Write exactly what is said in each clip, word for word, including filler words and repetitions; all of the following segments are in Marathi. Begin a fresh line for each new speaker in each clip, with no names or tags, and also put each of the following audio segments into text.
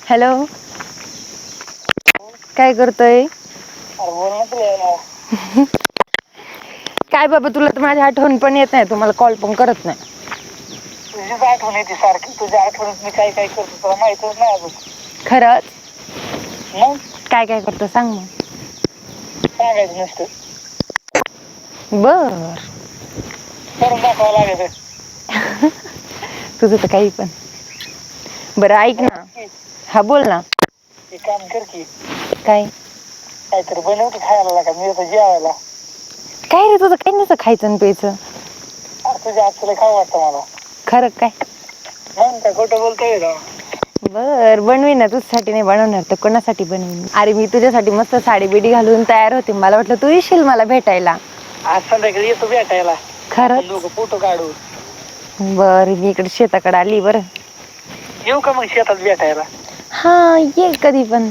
हॅलो, काय करतोय? काय बाबा, तुला तर माझी आठवण पण येत नाही, तुम्हाला कॉल पण करत नाही.
तुझीच आठवण येते सारखी. तुझ्या आठवणीत मी काय काय करतो तुला माहितच नाही अजून.
खरंच?
मग
काय काय करतो सांग मग.
सांगायचं नसतं,
बर.
करून दाखवावं लागेल.
तुझं तर काही पण. बरं ऐक ना. हा बोल ना.
एक काम कर की,
काय?
काहीतरी बनव की खायला लागा, मी येतो जेवायला.
काय रे, तुझं काही नसतं खायचं आणि प्यायचं.
अरे तुझ्या हातचं लय खावं वाटतं मला.
खरं काय?
मग काय खोटं बोलतोय का?
बर, बनवीन ना. तुझ्यासाठी नाही बनवणार तर कोणासाठी बनवीन? अरे मी तुझ्यासाठी मस्त साडी बिडी घालून तयार होते, मला वाटलं तू येशील मला भेटायला.
आज संध्याकाळी येतो भेटायला.
खरंच?
आपण दोघं फोटो काढू.
बर, मी इकडे शेताकडे आली. बरं
येऊ का मग शेतात भेटायला?
हा, ये कधी पण.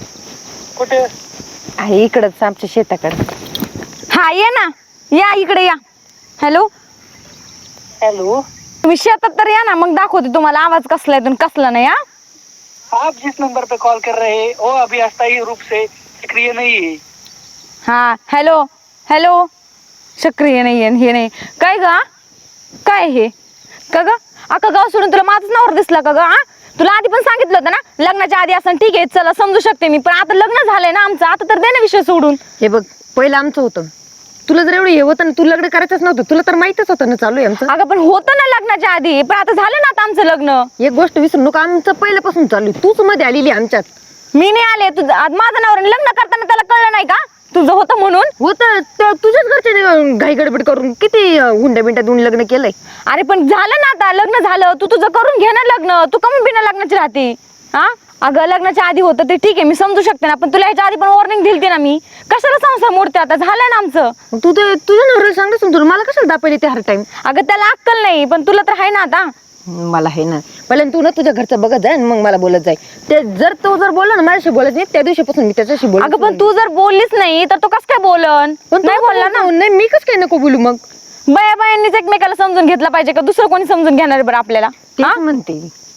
कुठे?
आहे इकडंच आमच्या शेताकडे. हा ये ना, या इकडे या. हॅलो
हॅलो,
तुम्ही शेतात तर या ना, मग दाखवते तुम्हाला आवाज कसला आहे कसला नाही. हा
आप जिस नंबर पे कॉल कर रहे हैं वो अभी अस्थायी रूप से सक्रिय नहीं है.
हा हॅलो हॅलो, सक्रिय नाही आहे हे नाही काय ग? काय हे का ग? अख्खा गाव सोडून तुला माझंच नावर दिसला का ग? हा, तुला आधी पण सांगितलं होतं ना, लग्नाच्या आधी असं ठीक आहे चला समजू शकते मी, पण आता लग्न झालंय ना आमचं, आता तर दे ना विषय सोडून. हे बघ, पहिलं आमचं होतं, तुला जर एवढं हे होतं ना, तू लग्न करायचंच नव्हतं, तुला तर माहितच होतं ना चालू आहे आमचं. अगं पण होतं ना लग्नाच्या आधी, पण आता झालं ना आता आमचं लग्न. एक गोष्ट विसरू नका, आमचं पहिल्यापासून चालू आहे, तूच मध्ये आलेली आमच्यात. मी नाही आले, तुझं माझं नावर लग्न करताना त्याला कळलं नाही का तुझं होतं म्हणून? होतं, तुझ्याच घरचे घाई गडबड करून किती हुंड्या बिंड्या देऊन लग्न केलंय. अरे पण झालं ना आता, लग्न झालं, तू तुझं करून घे ना लग्न, तू कमी बिना लग्नाची राहते. हा अगं, लग्नाच्या आधी होतं ते ठीक आहे, मी समजू शकते ना, पण तुला ह्याच्या आधी पण वॉर्निंग दिली ना मी, कशाला संसार मोडते आता, झालंय ना आमचं. तू ते तुझ्या नवऱ्याला सांगतेस तुला, मला कशाला दापायला ते हर टाइम? अगं त्याला अक्कल नाही, पण तुला तर आहे ना आता. मला आहे ना, पहिल्यांदा तू ना तुझ्या घरचं बघत जाय, मग मला बोलत जाय. ते जर तो जर बोलला ना माझ्याशी बोलत नाही, त्या दिवशीपासून मी त्याच्याशी बोल. अगं पण तू जर बोललीच नाही तर तो कस काय बोलन? नाही बोलला ना. नाही, मी कस काय नको बोलू मग? बाया बायांनीच एकमेकाला समजून घेतला पाहिजे का दुसरं कोणी समजून घेणार आहे बरं आपल्याला? तेच म्हणते,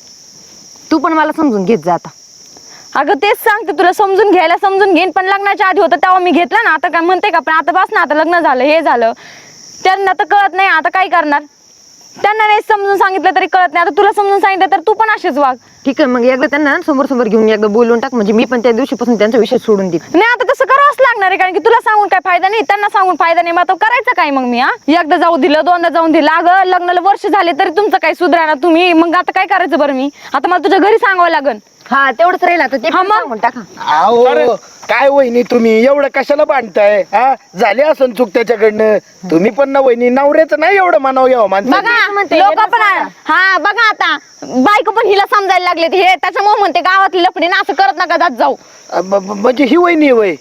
तू पण मला समजून घेत जा आता. अगं तेच सांगते तुला, समजून घ्यायला समजून घेईन, पण लग्नाच्या आधी होतं तेव्हा मी घेतलं ना, आता काय म्हणते का? पण आता बस ना, आता लग्न झालं, हे झालं, त्यांना तर कळत नाही, आता काय करणार? त्यांना नाही समजून सांगितलं तरी कळत नाही, आता तुला समजून सांगितलं तर तू पण असेच वाग. ठीक आहे, मग एकदा त्यांना समोर समोर घेऊन एकदा बोलून टाक, म्हणजे मी पण त्या दिवशीपासून त्यांचा विषय सोडून देईन. नाही आता तसं करावंच लागणार आहे, कारण की तुला सांगून काय फायदा नाही, त्यांना सांगून फायदा नाही, मग आता करायचं काय मग मी? हा, एकदा जाऊ दिलं, दोनदा जाऊन दिलं, अगं लग्नाला वर्ष झाले तरी तुमचं काही सुधरा ना तुम्ही, मग आता काय करायचं बरं? मी आता मला तुझ्या घरी सांगावं लागन. हा तेवढंच राहील आता, ते सांगून टाका.
अहो काय वहिनी, तुम्ही एवढं कशाला बांधताय? हा, झाली असं चूक त्याच्याकडनं, तुम्ही पण ना वहिनी, नवऱ्याचं नाही एवढं मानाव घ्यावं माणसं.
बघा लोक पण, हा बघा आता बायको पण हिला समजायला लागले, हे त्याच्यामुळे म्हणते गावातली लफडी ना, असं करत नका जात जाऊ.
म्हणजे ही वहिनी वय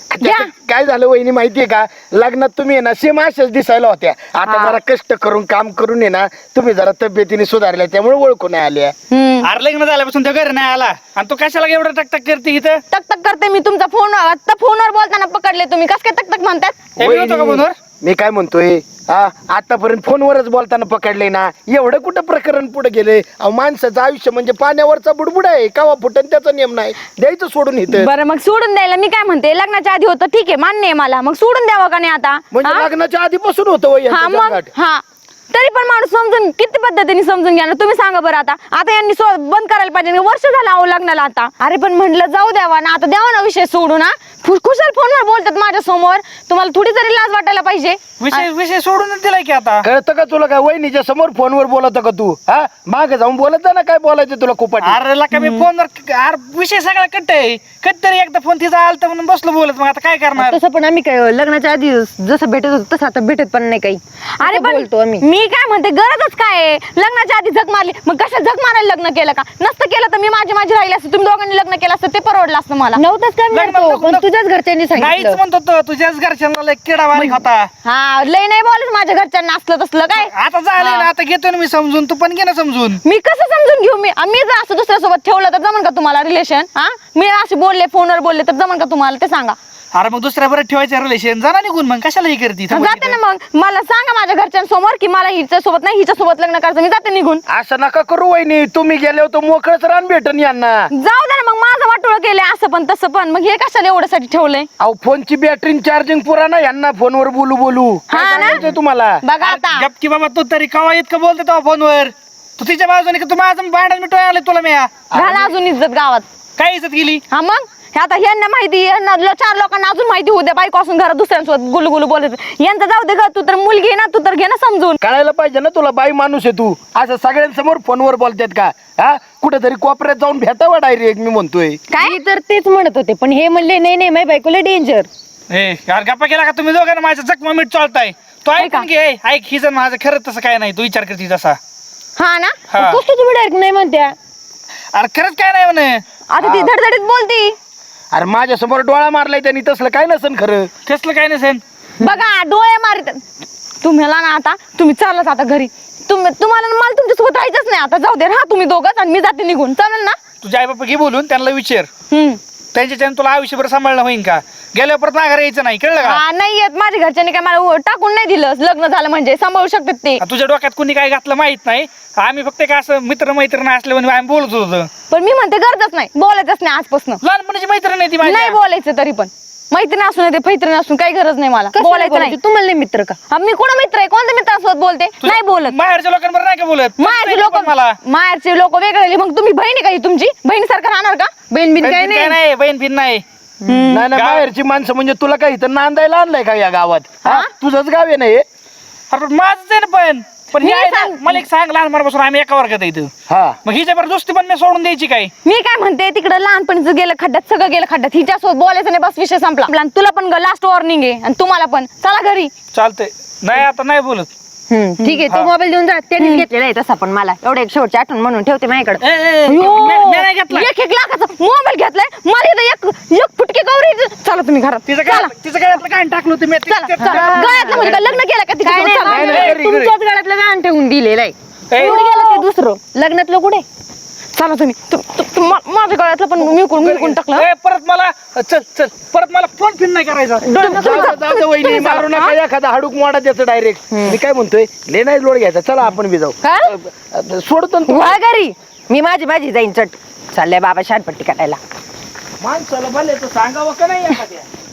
काय झालं वहिनी माहितीये का, लग्नात तुम्ही आहे ना सेम अशाच दिसायला होत्या, आता जरा कष्ट करून काम करून आहे ना तुम्ही जरा तब्येतीने सुधारल्या, त्यामुळे ओळखून आल्या.
अरे लग्न झाल्यापासून तो घरी नाही आला आणि तू कशाला एवढं टकटक करते इथं?
तक करते मी, तुमचा फोन आता फोनवर बोलताना पकडले तुम्ही, कस काय तक तक म्हणतात?
वहिनी, मी काय म्हणतोय, हा आतापर्यंत फोनवरच बोलताना पकडले ना, एवढं कुठं प्रकरण पुढे गेले? अहो माणसाचं आयुष्य म्हणजे पाण्यावरचा बुडबुड आहे, कावा फुटन त्याचा नियम नाही, द्यायचं सोडून इथं.
बरं मग सोडून द्यायला मी काय म्हणते, लग्नाच्या आधी होतं ठीक आहे, मान्य आहे मला, मग सोडून द्यावं का नाही आता?
म्हणजे लग्नाच्या आधीपासून होतं वय
हा मग, हा तरी पण माणूस समजून किती पद्धतीने समजून घ्या ना, तुम्ही सांगा बरं आता. आता यांनी बंद करायला पाहिजे, वर्ष झालं अहो लग्नाला आता. अरे पण म्हटलं जाऊ द्यावा ना, आता द्यावा ना विषय सोडून. हा खुशाल फोनवर बोलतात माझ्या समोर, तुम्हाला थोडी तरी लाज वाटायला पाहिजे.
विषय विषय सोडूनच दिलाय की आता.
कळतं का तुला? काय वहिनीच्या समोर फोनवर बोलत का तू? हा मागे जाऊन बोलत जा ना, काय बोलायचं तुला खूप.
अरे लका मी फोनवर, अरे विषय सगळा कट आहे, कट तरी एकदा फोन तिचा आलता म्हणून बसलो बोलत, मग आता काय करणार?
तसं पण आम्ही काय लग्नाच्या आधी जसं भेटत होतो तसं आता भेटत पण नाही काही. अरे बोलतो आम्ही, मी काय म्हणते गरजच काय? लग्नाच्या आधी झक मारली, मग कशा झक मारायला लग्न केलं का? नसतं केलं तर मी माझी माझी राहिली असते, तुम्ही दोघांनी लग्न केलं असतं ते परवडलं असतं मला. नव्हतंच काय, पण तुझ्याच घरच्यांनी
नाहीच म्हणतो तो, तुझ्याच घरच्यांना लय किडा बारीक होता.
हा लय नाही बोलत माझ्या घरच्यांना असलं तसलं काय.
आता झालं ना, आता घेतो ना मी समजून, तू पण घे ना समजून.
मी कसं समजून घेऊ? मी मी जर असं दुसऱ्यासोबत ठेवलं तर जमन का तुम्हाला रिलेशन? हा मी असे बोलले फोनवर बोलले तर जमन का तुम्हाला, ते सांगा.
अरे मग दुसऱ्या बरं ठेवायचं रिलेशन, जाणार निघून, मग कशाला हे करते?
जाते ना, मग मला सांगा माझ्या घरच्यांसमोर की मला हिच्या सोबत नाही, हिच्या सोबत लग्न करायचं, मी जाते निघून.
असं नका करू वहिनी, तुम्ही गेले होतो मोकळच रान भेटन यांना.
जाऊ दे ना केले असं पण तसं पण, मग हे कशाला एवढ्यासाठी ठेवलंय?
अहो फोनची बॅटरी चार्जिंग पुरा ना, यांना फोनवर बोलू बोलू काय
हा ना?
सांगायचंय तुम्हाला?
बघा आता
गप की बाबा, तू तरी कवा इतकं बोलतो तेव्हा फोनवर? तू तिच्या बाजूने का तू माझं भांडण मिटवाय आले तुला मी?
घाला अजून इज्जत गावात.
काय इज्जत गेली?
हा मग हे आता यांना माहिती, यांना लो- चार लोकांना अजून माहिती होऊ द्या, बायको असून घरात दुसऱ्यांसोबत गुलू गुलू बोलत. यांचं जाऊ दे ग, तू तर मुलगी आहे ना, तू तर घे ना समजून.
कळायला पाहिजे ना तुला, बाई माणूस आहे तू. असं सगळ्यांसमोर फोनवर बोलतात का? हा कुठेतरी कोपऱ्यात जाऊन भेटावा डायरेक्ट, मी म्हणतोय.
काय
मी तर तेच म्हणत होते, पण हे म्हणले नाही नाही माझ्या बायकोला डेंजर.
ए यार गप्पा केला का तुम्ही दोघांना? माझ्या जखमा मीठ चालताय. तो ऐक
ऐका.
की, ए, ऐक ही जण माझं खरंच तसं काय नाही, तू विचार करते तसा.
हा ना?
हा.
कसं तुम्ही डायरेक्ट नाही म्हणत्या?
अरे खरंच काय नाही म्हणे.
आता ती धडधडीत बोलती.
अरे माझ्या समोर डोळा मारलाय त्यांनी, तसलं काय नसन खरं.
कसलं काय नसेल.
बघा डोळे मारित. तुम्हाला ना आता तुम्ही चाललाच आता घरी. तुम्ही तुम्हाला ना मला तुमच्यासोबत राहायचंच नाही आता. जाऊ दे हा तुम्ही दोघंच, आणि मी जाते निघून. चालेल ना?
तुझ्या आई बाप्पा घे बोलून, त्यांना विचार
हम्म.
त्यांच्याच्यानं तुला आयुष्यभर सांभाळणं होईन का? गेल्यावर परत माघार यायचं नाही, कळलं का?
हा नाही येत, माझ्या घरच्यांनी काय मला उ- टाकून नाही दिलं. लग्न झालं म्हणजे सांभाळू शकतात ते.
आ, तुझ्या डोक्यात कोणी काय घातलं माहित नाही. आम्ही फक्त काय असं मित्र मैत्रीण असल्यामुळे आम्ही बोलत होतो.
पण मी म्हणते गरजच नाही, बोलायचंच नाही आजपासून.
लहानपणाची मैत्रीण आहे ती माझी.
नाही बोलायचं तरी पण. मैत्रीण असून ते मैत्रीण असून काही गरज नाही मला
कशाला
बोलायचं नाही.
बोलायचं? तुम्हाला नाही मित्र का?
हा, मी कोणा मित्र आहे? कोणत्या मित्रासोबत बोलते?
तुझ्या
नाही बोलत.
माहेरच्या लोकांबरोबर नाही का बोलत?
माहेरचे लोक
मला
माहेरचे लोक वेगळे. मग तुम्ही बहिणी काही तुमची बहिणीसारखं राहणार का?
बहीण बिन काय
बहीण
नाही.
काय नाही, बहीण बिन नाही.
नाही नाही,
गाव-
बाहेरची माणसं म्हणजे तुला काय इथं नांदायला आणलंय का या गावात? हा
हा?
तुझंच गाव आहे ना हे?
अरे पण माझंच आहे ना. पण पण हे
मी
आहे ना,
सांग-
मला एक सांग, लहानपणापासून आम्ही एका वर्गात आहे इथं.
हा
मग ही जबरदस्ती पण मी सोडून द्यायची काय?
मी काय म्हणते, तिकडे लहानपणीचं गेलं खड्ड्यात, सगळं गेलं खड्ड्यात. हिच्यासोबत बोलायचं नाही, बस विषय संपला. आणि तुला पण लास्ट वॉर्निंग आहे, आणि तुम्हाला पण. चला घरी.
चालतंय. नाही आता नाही बोलत.
हम्म, ठीक आहे. तो
हा.
मोबाईल देऊन जा. त्यांनीच घेतलेला आहे तसा, पण मला एवढं एक शेवटची आठवण म्हणून ठेवते माझ्याकडे.
ए, ए, ए,
अयो,
मी- मी नाही घेतला.
एक एक लाखाचा मोबाईल घेतलाय. मला इथं एक एक फुटके गौरी. चला तुम्ही घरात.
तिचं
चला
काय तिचं काय काय टाकलं तुम्ही?
चला चला. गळ्यातलं म्हणजे काय लग्न केलं का
काय
तिच्यासोबत?
नाही,
चला.
नाही,
नाही,
घरी, घरी.
तुमच्याच गळ्यातलं गाण ठेवून दिलेलं आहे.
ए,
कुठे गेलं ते दुसरं लग्नातलं कुठे?
चला तुम्ही. तु- तु- तु- मा- माझ्या गळ्यातलं पण मी कोण मी कोण टाकलं.
ए, परत मला चल चल परत मला फोन फिन नाही करायचा.
तुम्ही
जाऊ
जा-
दे, जाऊ दे वहिनी,
तुम्ही जा.
मारू नका एखादा हाडूक मोडा त्याचं डायरेक्ट. मी काय म्हणतोय, ले नाही लोड घ्यायचा. चला आपण बी जाऊ.
काय?
अ, अ, सोडतो ना तू.
वा घरी. मी माझी माझी जाईन चट. चाललंय बाबा शानपट्टी करायला.
माणसाला भले तर सांगावं का नाही एखाद्या?